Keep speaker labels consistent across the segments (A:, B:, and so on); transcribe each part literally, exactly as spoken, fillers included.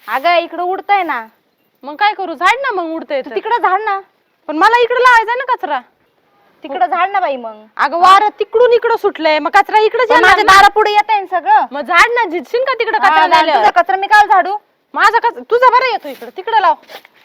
A: अगं इकडे उडतय ना.
B: मग काय करू? झाड ना मग उडतंय तर.
A: तिकडे झाड ना.
B: पण मला इकडे लावायचा ना कचरा.
A: तिकडे झाड ना बाई. मग
B: अगं वार तिकडून इकडं सुटलंय मग कचरा इकडे
A: माझ्या दारा पुढे येत आहे सगळं.
B: मग झाड ना झिजशील का तिकडे
A: हा,
B: कचरा
A: झाड,
B: झाल्यावर?
A: तुझा कचरा मी काल झाडू.
B: माझा कचरा तुझा बरं येतो इकडे. तिकडे लाव.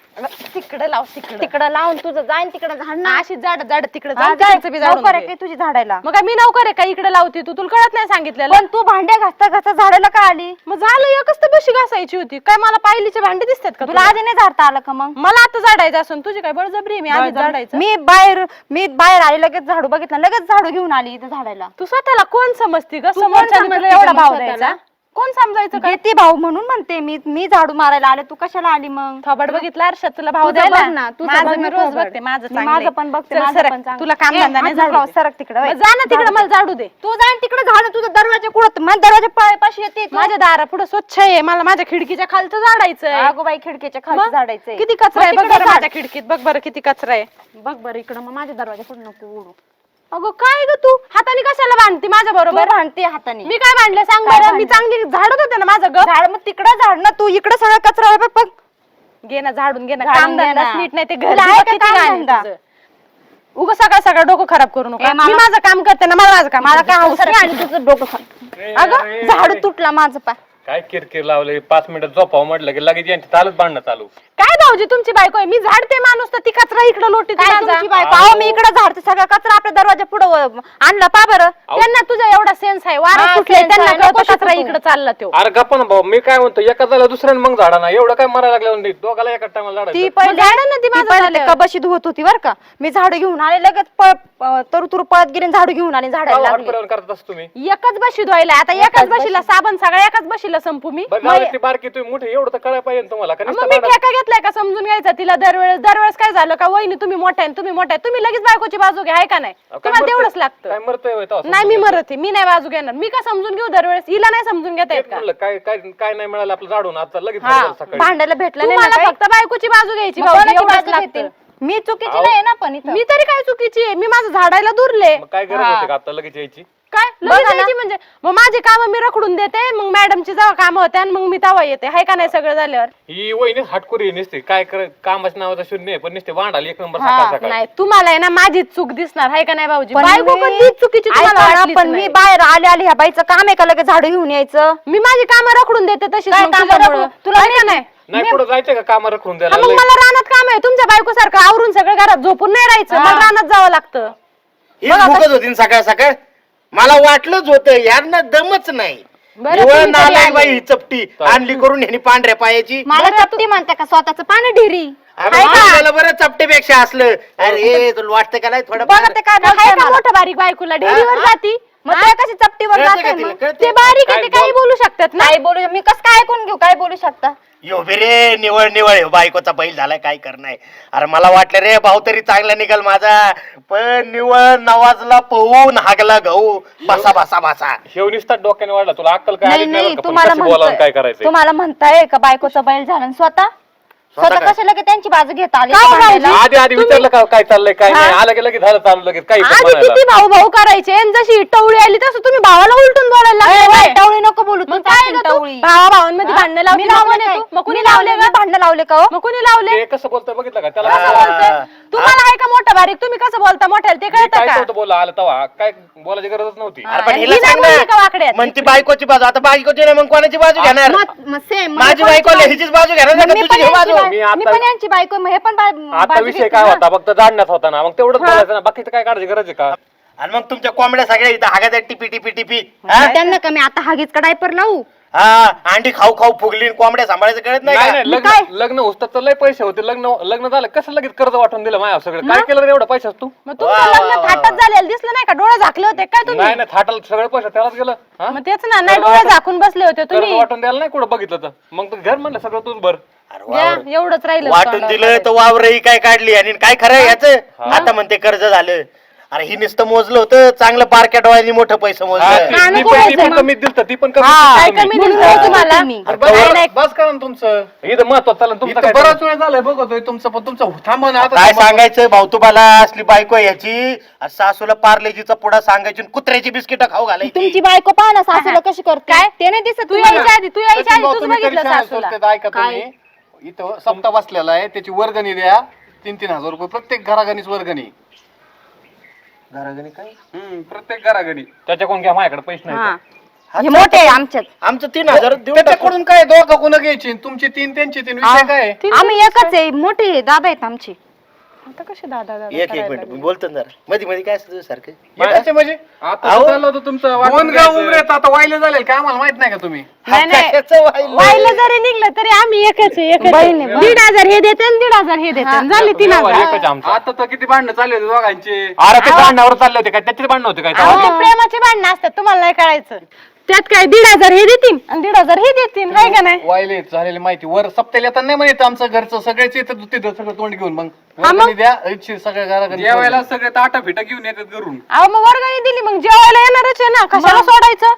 B: तिकडे लाव. तिकडे
A: तिकडे लावून तुझं जाईन तिकडे झाड ना.
B: अशी झाड झाड तिकडे
A: हा, जाय. लवकर आहे की तुझी झाडायला.
B: मग काय मी नवकर आहे का इकडे लावते तू? तुला कळत नाही सांगितलेलं?
A: पण तू भांड्या घासता घासता झाडाला का आली?
B: मग झालं एकच तर बशी घासायची होती. काय मला पायलीचे भांडे दिसतात का
A: तुला आधी नाही झाडता आलं का? मग
B: मला आता झाडायचं असून तुझी काय बळजबरी आहे? मी आधी झाडायचं.
A: मी बाहेर मी बाहेर आली लगेच झाडू बघितलं लगेच झाडू घेऊन आली इथं झाडायला.
B: तू स्वतःला कोण समजती ग?
A: तू कोण
B: समोरच्याने
A: समजते
B: तुला एवढा
A: ग
B: भाव
A: स्वतःला?
B: द्यायचा? कोण समजायचं काय?
A: घेते भाऊ म्हणून म्हणते मी मी झाडू मारायला आले तू कशाला आली मग?
B: थोबड बघितला अर्षद तुला भाव
A: तुझं
B: द्यायला?
A: बघ ना, तुझं
B: माझं
A: बघ
B: मी
A: ना
B: रोज
A: थोबड.
B: बघते. माझं
A: मी
B: चांगलं
A: माझं
B: आहे.
A: पण बघते,
B: चल,
A: माझं
B: सरक.
A: पण चांगलं.
B: तुला काम
A: ए,
B: धंदा नाही
A: हात
B: झाडू
A: लाव,
B: दे.
A: सरक तिकडं,
B: मग जा ना तिकडे मला झाडू दे.
A: तू जाईन तिकडे झाड तुझं दरवाजा कुठं माझ्या दरवाजा पायापाशी येते तू.
B: माझ्या दारा पुढे स्वच्छ आहे. मला माझ्या खिडकीच्या खालचं झाडायचंय.
A: अगो बाई खिडकीच्या खाली
B: मग?
A: झाडायचंय.
B: किती कचरा आहे
A: मग
B: बघ
A: तिकडं
B: बरं
A: झाड.
B: माझ्या खिडकीत. बघ बरं किती कचरा आहे.
A: बघ बरं इकडं मग माझ्या दरवाजा पुढे नको उडू.
B: अगं काय ग तू हाताने कशाला बांधती माझ्या
A: तू
B: बरोबर?
A: भांडते हाताने.
B: मी काय बांधलं सांग
A: काय
B: बरं? मी
A: बांधलं?
B: चांगली झाडत होते ना माझं ग.
A: झाड मग तिकडं झाड ना तू इकडे सगळा कचरा आहे बघ.
B: घे ना झाडून घे ना.
A: झाडून
B: काम
A: घे
B: धंदा
A: ना.
B: नीट नाही ते घर
A: तुला आहे का
B: किती
A: काम
B: घाण आहे
A: धंदा?
B: तुझं. उगा सकाळ सकाळ डोकं खराब करू नका.
A: ए, मला-
B: मी माझं काम करते ना. मला माझं काम
A: मला
B: करू
A: काय
B: दे.
A: हौस नाही आणि तुझं डोकं खा-
B: अगं
A: झाडू तुटला माझं पा.
C: काय किरकिर लावले पाच मिनिटं झोपाव म्हटलं की लगेच यांची चालत बांधणं चालू.
B: काय भाऊजी तुमची बायको आहे? मी झाडते माणूस तर ती कचरा इकडे लोटी
A: काय तुमची बायको? अहो मी इकडे झाडते सगळा कचरा आपल्या दरवाजा पुढे आणला पा बरं.
B: त्यांना तुझा एवढा सेन्स आहे. वारा
A: हा,
B: सुटले
A: sense
B: त्यांना
A: आहे.
B: कळतं
A: नको
B: कचरा
A: शिकू तू.
B: इकडे चालला तो.
C: अरे गप्पा ना भाऊ मी काय म्हणतो एका झाला दुसऱ्याने मग झाडा ना एवढं काय मरायला लागलं दोघाला एका टायमाला
A: ती
C: झाडायचं.
A: पहिले
B: झाडं ना ती
A: ती
B: माझं
A: पहिले
B: झालं.
A: ते कबशी धुवत होती बरं का. मी झाडू घेऊन आले लगेच पळ तरु तुरु पळत गेले आणि झाडू घेऊन आले झाडायला लागले.
C: हटपर्यंत करत असतो तुम्ही.
B: एकच बशी धुवायला आता एकाच बशीला साबण सगळ्या एकाच बशीला संपू मी.
C: बरं जाऊ दे, ती बारकी तुम्ही मोठे एवढं तर कळायला पाहिजे ना तुम्हाला का
B: मग
C: नुसतं
B: मी
C: भांडण?
B: ठेका घेतलाय का समजून घ्यायचा तिला दरवेळेस दरवेळेस काय झालं का वहिनी तुम्ही मोठ्या आहे, तुम्ही मोठ्या आहे, तुम्ही लगेच बायकोची बाजू घ्या आहे का नाही?
C: अहो, काय
B: तुम्हाला
C: मरतोय?
B: तेवढंच लागतं.
C: काय मरतोय होय तेव्हा
B: नाही मी
C: समजून
B: मरत आहे. मी नाही बाजू घेणार. मी का समजून घेऊ दरवेळेस? हिला नाही समजून घेता येत
C: तेच
B: का?
C: म्हणलं काय काय काय नाही मिळालं आपलं झाडून आता लगेच
B: हा,
C: झालं सकाळी.
A: भांडायला भेटलं नाही ना
B: तुम्हाला
A: काही?
B: फक्त बायकोची बाजू घ्यायची
A: मग
B: भाऊजी,
A: कोणाची
B: एवढंच
A: बाजू
B: लागतं.
A: घेतील? मी चुकीची
C: अहो.
A: नाही ना पण इथं.
B: मी तरी काय चुकीची आहे? मी माझं झाडायला दुरले.
C: मग काय गरज होते का आता लगेच यायची?
B: काय लगेच यायची म्हणजे? मग माझे काम मी रखडून देते. मग मॅडमची जेव्हा काम होते आणि मग मी तेव्हा येते. हाय का नाही सगळं झाल्यावर?
C: ही वहिनी हटकुरी नसते काय कर कामाच्या नावाचा शून्य आहे पण नसते वांडाली एक नंबर
A: हा,
C: सकाळ सकाळ.
B: नाही तुम्हाला आहे ना माझीच चूक दिसणार हाय का नाही भाऊजी?
A: पण
B: बायको
A: मी-
B: कधीच चुकीची तुम्हाला
A: ऐका ना,
B: वाटलीच
A: पण मी
B: नाही.
A: बाहेर आले आले ह्या बाईचं काम आहे का लगेच झाडू घेऊन यायचं?
B: मी माझी कामं रखडून देते तशीच
A: काय
B: मग
A: कामं
B: तुझ्यामुळं.
A: रखडून? तुला
B: हाय का नाही?
C: नाही पुढे जायचं का कामा रखून
B: हा,
C: द्यायला
B: मग
C: लय-
B: मला रानात काम आहे. तुमच्या बायको सारखं आवरून सगळं घरात झोपून नाही राहायचं.
A: हा.
B: मला रानात जावं लागतं.
D: ही भूकत होती ना सकाळ सकाळ मला वाटलंच होतं यांना दमच नाही.
B: बरं,
D: निव्वळ
B: तुम्ही तरी
D: नालायक
B: आले.
D: बाई ही चपटी आणली करून ह्यानी पांढऱ्या पायाची.
A: मला चपटी म्हणते का स्वतःच पाणी ढिरी?
D: अरे
A: आहे का?
D: माणसाला बरं चपटेपेक्षा असलं. अरे तुला वाटतं का नाही थोडं
A: बघा ते काय
B: हाय
A: बघताय
B: का
A: मला.
B: मोठं बारीक बायकोला डेअरीवर
D: हा?
B: जाती?
A: मग ते कशी चपटीवर
D: कळतं
A: जाते
D: का तिला?
A: मग?
D: कळतं?
B: ते बारीक आहे
C: काय
B: ते काही
C: बोल-
B: बोलू शकतात ना.
A: काय बोलू मी कसं काय ऐकून घेऊ? काय बोलू शकता?
D: यो बे रे निवळ निवळ ह्यो बायकोचा बैल झालाय काय करणार. अरे मला वाटलं रे भाऊ तरी चांगला निघाल माझा पण निवळ नवाजला पहून हागला गहू बसा बसा बसा.
C: शेव निसतात डोक्याने वाढला तुला अक्कल काय
A: नाही
C: आलीच नाही
A: नाही
C: बरं का? पण
A: तुम्हाला
C: कसं बोलावं आणि काय
A: म्हणताय
C: करायचं
A: तुम्हाला म्हणताय का बायकोचा बैल झाला आणि स्वतः
D: स्वतः
A: स्वतः
D: काय?
A: कशाला की त्यांची बाजू घेता आली
B: काय
A: का भांडायला?
B: भाऊजी?
C: आधी आधी विचारलं का काय चाललंय काय नाही आलं की लगेच झालं चालू लगेच काही पण
B: आधी
C: म्हणायला.
B: किती भाऊ भाऊ करायचे आणि जशी टवळी आली तसं तुम्ही भावाला उलटून बोलायला
A: अरे
B: लागले
A: बाई,
B: काय?
A: टवळी नको बोलू
B: मग
A: तू
B: काय
A: टाकीन
B: ग तू?
A: टवळी.
B: भावा भावांमध्ये
A: हा?
B: भांडणं लावली
A: मी
B: मग
A: लावले
B: कोणी
A: काय?
B: तू? मग कोणी
A: मी
B: लावले
A: लावले
B: ग?
A: भांडणं लावले का हो?
B: मग कोणी लावले?
C: ते कसं बोलतोय बघितलं का त्याला
B: कसं
C: कसं
B: बोलतोय? तुम्हाला आहे का मोठं बारीक? तुम्ही कसं बोलता मोठ्याला ते
C: मी
B: कळतं
C: काय
B: का?
C: नव्हतं बोला आलं तेव्हा काय बोलायची गरजच नव्हती.
B: हा.
D: अरे पण
B: आणि
D: हिला
B: ही नाही
D: सांग
B: बोलली का
D: ना
B: वाकड्यात?
D: म्हणती बायकोची बाजू आता बायकोची नाही मग कोणाची बाजू घेणार?
A: मग- मग same, मग
D: माझी
A: मी पण
D: बायको
A: यांची
D: हिचीच बाजू घेणार
A: बायको-
D: का
A: मी
D: तुझी
A: पण
D: घे
A: यांची
D: बाजू?
A: बाय-
C: मी आता-
A: मी पण यांची बायको आहे, मग हे पण बा-
C: आता
A: बाजू
C: विषय
A: घेतील
C: काय
A: ना.
C: होता फक्त जाणण्यात होता ना मग तेवढंच बोलायचं ना बाकीचं काय काढायची गरज आहे का?
D: आणि मग तुमच्या कोंबड्या सगळ्या इथं हागात टिपी टिपी टिपी हा?
A: त्यांना का मी आता हागीच का डायपर लावू?
D: हा अंडी खाऊ खाऊ फुगली आणि कोंबड्या सांभाळायचं कळत नाही
C: नाही
D: का?
C: नाही
A: मग
C: लग्न
A: काय?
C: लग्न होतं तर लय पैसे होते लग्न लग्न झालं कसं लगेच कर्ज वाटून दिलं माझ्या सगळं काय केलं रे एवढं पैशाच तू?
B: मग तुमचं
D: वा, वा,
B: लग्न
D: वा,
B: थाटात
D: वा.
B: झालेलं दिसलं नाही का? डोळे झाकले होते काय तुम्ही?
C: नाही नाही थाटाला सगळं पैसे त्यालाच गेलं हा?
B: मग तेच ना नाही
C: कर्ज
B: डोळे
C: वाटून-
B: झाकून बसले होते
C: कर्ज
B: तुम्ही.
C: वाटून द्यायला नाही कुठं बघितलं तर मग तर घर म्हणलं सगळं तूच भर.
D: अरे
B: द्या,
D: वावर.
B: एवढंच राहिलं
D: वाटून
B: तोंडावर.
D: दिलं तर वावरही काय काढली आणि काय खरं याच आता म्हणते कर्ज झालं. अरे ही नुसतं मोजलं होतं चांगलं बारक्या डोळ्यांनी मोठं पैसे
C: हा,
D: मोजलं
C: ती-
B: गाणं
C: ती पण- ती
B: कोणाचं
C: पण
B: आहे
C: कमी दिलत ती पण कमी
B: काय
C: दिलतं
B: कमी
C: तुम्ही.
B: दिलं होतं तुम्हाला
D: अरे
C: बस-
D: बस-
C: बस करा ना तुमचं इथं महत्वाचं चाललं तुमचं
E: इथं
C: काय
E: बराच वेळ झालाय बघतोय तुमचं पण तुमचं थांबा ना आता
D: काय
E: थांबा.
D: सांगायचं भाऊ तुम्हाला असली बायको आहे याची आणि सासूला पार्लेजीचा पुडा सांगायची आणि कुत्र्याची बिस्किट खाऊ घालायची
A: तुमची बायको पहा ना सासूला कशी करते
B: काय?
A: ते नाही दिसत
B: तू
A: तुम्हाला?
B: यायच्या आधी तू यायच्या
E: सचिन
B: आधी
E: भाऊ,
B: तूच
E: तुम्ही तरी
B: बघितलं
E: शाळेत
B: सासूला
E: सोडतात, ऐका तुम्ही इथं सप्ता बसलेला आहे त्याची वर्गणी द्या तीन तीन हजार रुपये प्रत्येक घराघणीच वर्गणी
D: घराघरी काय
C: हम्म, प्रत्येक घराघरी त्याच्याकडून घ्या माझ्याकडे पैसे
A: हा.
C: नाही
A: हे मोठे आहे आमच्यात
D: आमचं तीन हजार देऊन टाकू.
E: त्याच्याकडून काय दोघं कोण घ्यायची तुमची तीन त्यांची तीन विषय काय आहे?
A: आम्ही एकच आहे मोठे आहे, दादा आहेत आमचे.
B: आता कशी दादा दादा
D: एक एक मिनिट मी बोलतो ना जरा मध्ये मध्ये काय असतं सारखं
E: एकाचे म्हणजे
C: आता
D: अहो.
C: तर चाललं होतं तुमचं वाटून
E: दोन गाव
C: घ्यायचं.
E: उमरेत आता वाहिले झाले काय आम्हाला माहित नाही का तुम्ही
B: नाही नाही
D: कशाचं वाहिलं?
B: वाहिलं जरी निघलं तरी आम्ही एकच आहे, एकच आहे.
A: बहीण आहे,
B: दीड हजार हे देते आणि दीड हजार हे देते झाले तीन
C: व्यवहार
B: हजार
C: एकच आमचा.
E: आता तर किती भांडणं चालले होते दोघांचे
C: अरे ते भांडणावर चालले होते काय त्याचे भांडण होते काय
B: अहो, ते प्रेमाचे भांडणं असतात तुम्हाला नाही कळायचं त्यात काय दीड हजार हे देतील आणि दीड हजार हे देतील हाय का नाही
E: वाहिले झालेली माहिती वर सप्त्याला आता नाही म्हणत आमचं घरचं सगळेच येतं तिथं सगळं तोंड घेऊन मग
B: हा मग?
E: वर्गणी द्या इच्छित सगळ्या घराघरी
C: जेवायला सगळे ताटा फिटा घेऊन येतात घरून
B: अहो मग वर्गणी दिली मग जेवायला येणारच आहे ना कशाला सोडायचं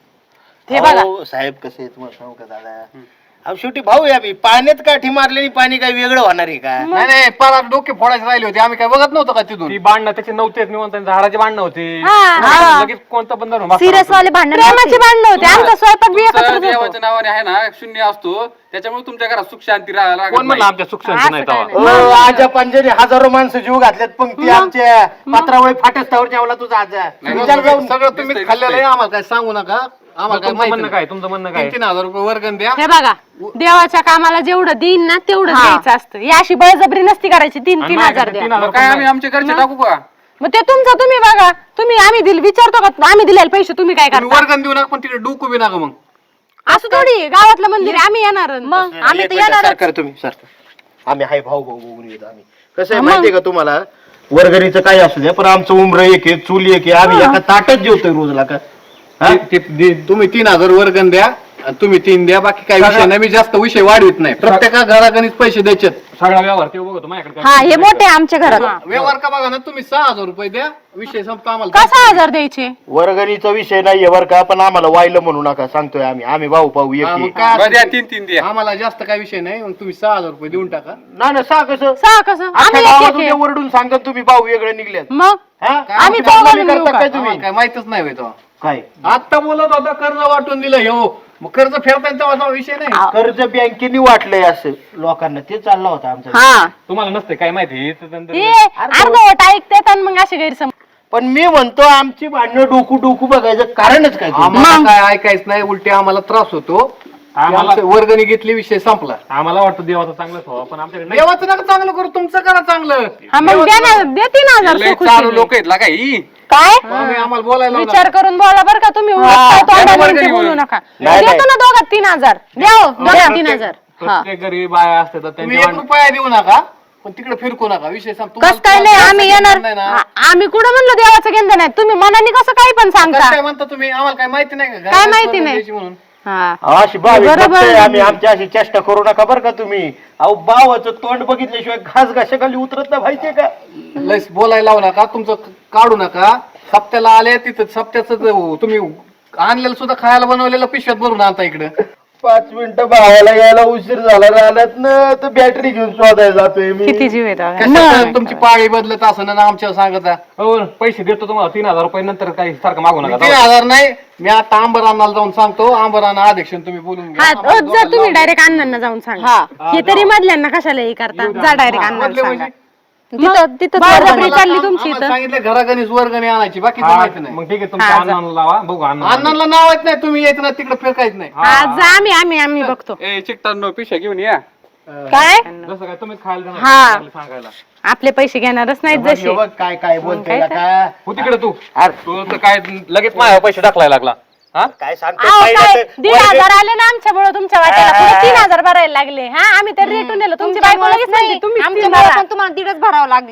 B: हे बघा
D: अहो, साहेब कसे आहे तुम्हाला सांगू का दादा अहो शेवटी भाऊ आहे आम्ही पाण्यात काठी मारलेली पाणी काय वेगळं होणार आहे का
E: नाही नाही पारा डोके फोडायचे राहिले होते आम्ही काय बघत नव्हतं का तिथून
C: ती भांडणं त्याचे नव्हते निवंत झाडाचे भांडणं होते
B: हा.
C: लगेच कोणतं बंद झालं.
A: सिरियस वाले भांडण
B: प्रेमाचे भांडणं होते आमचा स्वयंपाक बी एकत्रच होतो.
F: देवाच्या नावाने आहे ना शून्य असतो त्याच्यामुळे तुमच्या घरात सुख शांती राहायला लागत
C: कोण म्हणलं
F: नाही.
C: आमच्या सुख शांती नाही
B: असं
C: तेव्हा?
B: काय
D: ओ, आजा पंजाने हजारो माणसं जीव घातल्यात पंक्ती आमच्या पात्रावळी फाटस्तावर जेवला तुझा आजा विचार जाऊन
E: सगळं तुम्ही खाल्लेलं आहे आम्हाला काय सांगू नका आम्हाला काय
C: तुमचं
E: माहिती
C: म्हणणं काय तुमचं म्हणणं काय
E: तीन तीन हजार रुपये वर्गण द्या
B: हे बघा देवाच्या कामाला जेवढं देईन ना तेवढं द्यायचं असतं ही अशी बळजबरी नसती करायची तीन
C: आणि
B: तीन
C: माझ्याकडे
B: हजार द्या
C: तीन हजार
F: मग काय आम्ही आमच्या घरचे टाकू का
B: मग ते तुमचं तुम्ही बघा तुम्ही आम्ही दिल विचारतो का आम्ही दिलेले पैसे तुम्ही काय
E: तुम्ही
B: करता
E: वर्गण देऊ नका पण तिकडे डोकू बी नका मग
B: असं थोडी आहे, गावातलं मंदिर आहे, आम्ही येणार
A: मग आम्ही
D: एक
A: तर
D: मिनिट,
A: येणार
D: सरकार तुम्ही सरकार आम्ही हाय भाऊ भाऊ बघून येतो आम्ही कसं आहे माहितीये का तुम्हाला वर्गणीचं काय असू द्या पण आमचं उमर एक आहे चूल एक आहे आम्ही एका ताटच जेवतोय रोजला का हा?
E: ते- ते- ते- तुम्ही तीन हजार वर्गण द्या आणि तुम्ही तीन द्या बाकी काही विषय नाही मी जास्त विषय वाढवित नाही प्रत्येका घराघणीच पैसे द्यायचे
C: सगळा व्यवहार ते बघतो माझ्याकडे
A: हा हे मोठे आहे आमच्या घरात
E: व्यवहार का बघा ना तुम्ही सहा हजार रुपये द्या विषय संपतो आम्हाला
B: कसा हजार द्यायचे
D: वर्गणीचा विषय नाहीये बरं का पण आम्हाला वाहिलं म्हणू नका सांगतोय आम्ही आम्ही भाऊ भाऊ एक
E: हा, मग
D: आहे.
E: काय
F: बरं द्या
E: असेल
F: तीन तीन
E: ते.
F: द्या
E: आम्हाला जास्त काही विषय नाही मग तुम्ही सहा हजार रुपये देऊन टाका
D: ना ना सा कसं
B: सहा कसं
D: अख्ख्या
B: आम्ही एक
D: गावात
B: एक आहे.
D: उद्या ओरडून सांगत तुम्ही भाऊ वेगळे निघलेत
B: मग
D: हा?
E: काय
B: आम्ही
E: आमच्या
B: चौघांनी
E: बदनामी
B: मिळू
E: करता
B: का?
E: काय तुम्ही काय माहितच नाही होय तेव्हा.
D: काय
E: आता बोलत होता कर्ज वाटून दिलं हो मग कर्ज फेडताना तेव्हा तेव्हा विषय नाही
D: कर्ज बँकेने वाटलंय असं लोकांना ते चाललं होतं आमचं
A: हा
C: तुम्हाला नसते काय माहिती तर नंतर-
B: हे अर्धवट ऐकतात आणि मग असे गैरसमज
D: पण मी म्हणतो आमची भांडणं डोकू डोकू बघायचं कारणच काय ते?
E: आम्हाला काय ऐकायचं नाही उलटे आम्हाला त्रास होतो
C: आम्हाला-
E: आमचं वर्गणी घेतली विषय संपला
C: आम्हाला वाटतं देवाचं चांगलंच व्हावं पण आमच्याकडे नाही.
E: देवाचं नका चांगलं करू तुमचं करा चांगलं
B: हा मग द्या ना देते ना हजार
F: लय
B: सो
F: चालू
B: खुशीने.
F: लोक आहेत लागा ही
B: काय
E: आम्ही आम्हाला बोलायला लावू
B: विचार करून बोला बरं का तुम्ही उगाच काय तोंडाने
F: वर्गणी
B: म्हणते बोलू
F: म्हणून.
B: नका
D: नाही,
B: देतो ना दोघात तीन हजार द्या हो, दोघात तीन हजार
C: प्रत्येक गरीब बाया असते तर
E: तुम्ही
C: त्यांच्या
E: एक रुपया देऊ नका पण तिकडे फिरकू नका विषय संप- तुम्हाला-
A: कस काय नाही
E: तुम्हाला
A: आम्ही
E: जास्त
A: येणार
E: नाही ना.
B: आ- आम्ही कुठं म्हणलो देवाचं घेणं नाही तुम्ही मनाने कसं काही पण
E: कसं
B: सांगता
E: काय म्हणता तुम्ही आम्हाला काय माहिती नाही का
B: काय माहिती
E: वर्गणी
B: नाही?
E: द्यायची म्हणून
B: हा
D: अशी भाविक
B: बरोबर
D: भक्त आहे
B: आहे.
D: आम्ही आमच्या अशी चेष्टा करू नका बरं का तुम्ही अहो बावाचं तोंड बघितल्याशिवाय घास घाशाखाली उतरत नाही माहितीये का
E: लस बोलायला लावू नका तुमचं क- काढू नका सप्त्याला आले तिथं सप्त्याचं तुम्ही आणलेलं सुद्धा खायला बनवलेलं पिशव्यात भरून आणता इकडे
D: पाच मिनिटं भावाला यायला उशीर झाला राहिल्यात ना तर बॅटरी घेऊन शोधायला जातोय मी
B: किती जीव येतो
E: कशाचं तुमची पाळी बदलत असं ना आमच्यावर सांगता
C: हो पैसे देतो तुम्हाला तीन हजार रुपये नंतर काही सारखं मागू नका
E: तीन हजार नाही मी आता आंबरानाला जाऊन सांगतो आंबराना अध्यक्ष तुम्ही बोलून घ्या.
B: हा
E: आम्हाला
B: रोज जा
E: दोघांना
B: तुम्ही डायरेक्ट अण्णांना जाऊन सांगा हे तरी मधल्यांना कशाला हे करता जा डायरेक्ट अण्णांना
E: बदले
B: सांगा
E: म्हणजे?
A: तिथं तिथं
B: बळजबरी
E: आम्हाला-
B: चालली तुमची
E: आम्हाला
B: इथं
E: सांगितलं घरागणीच वर्गणी आणायची बाकीचं
C: हा,
E: माहिती नाही
C: मग ठीक आहे तुमच्या अण्णांना लावा बघू अण्णा
E: अण्णांना नाव येत नाही तुम्ही यायचं ना तिकडे फिरकायचं नाही
B: हा जा आम्ही आम्ही आम्ही बघतो
F: ए चिकटांनो पिशा घेऊन या
B: काय
C: जसं काय तुम्हीच खायला देणार
B: हा.
C: नाही, सांगायला
B: आपले पैसे घेणारच नाहीत
D: बघ,
B: जसे
D: बघ काय काय बोलतोय
B: काय
D: का
C: हो तिकडे तू
D: अरे,
C: तू तर काय लगेच माझ्या पैसे टाकलाय लागला हा
D: काय सांगतो
B: अहो,
D: पहिलं
B: काय
D: तर
B: दीड
D: वर्ग-
B: हजार आले ना आमच्यामुळे तुमच्या वाट्याला पुढे तीन हजार भरायला लागले हा आम्ही तर रेटून नेलो तुमची बायको लगेच म्हणते तुम्ही
A: आमच्या पण तुम्हाला दीडच भरावं लागले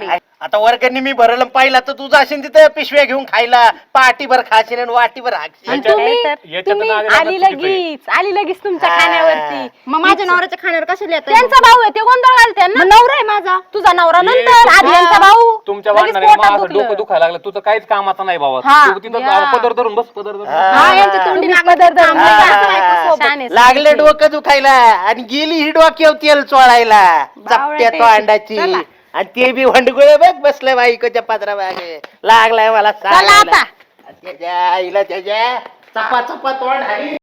D: आता वर्गणी मी भरलं पाहिला तर तुझा असेल तिथं पिशव्या घेऊन खायला पाटीभर खाशील आणि वाटीभर हाकशील
B: आणि
C: याच्यात-
B: तुम्ही
C: याच्यात
B: तुम्ही
C: नादी लागणं
B: आली
C: चुकीचं आहे.
B: लगेच आली लगेच तुमच्या
D: हा.
B: खाण्यावरती
A: मग माझ्या नवऱ्याच्या खाण्यावर कशाला येत
B: त्यांचा भाऊ आहे ते गोंधळ घालते ना
A: नवरा आहे माझा.
B: तुझा नवरा
C: ये
B: नंतर
C: तुमच्या-
B: आधी यांचा भाऊ
C: तुमच्या
B: लगेच
C: भांडणाने
B: पोटात
C: माझं
B: दुखलं.
C: डोकं दुखायला लागलं तुझं काहीच कामाचं नाही बाबा
B: हा.
C: तू तिथं
B: या.
C: पदर धरून बस पदर धरून
A: हा, यांच्या तोंडी
B: तुम्ही
A: लागलं
B: पदर धरून
A: थांबले का?
B: बसा.
A: असं बायकोसोबत.
B: शाने
D: लागले
B: सांगितली.
D: डोकं दुखायला आणि गेली ही डोक्यावर तेल चोळायला चपट्या तो अंडाची
B: चला.
D: आणि ते बी वंडगुळ बघ बसलं बाईकोच्या पत्रा मागे लागलाय मला
B: चला
D: सांगायला.
B: आता.
D: त्याच्या आईला त्याच्या चपा चपा तोंड हाणी.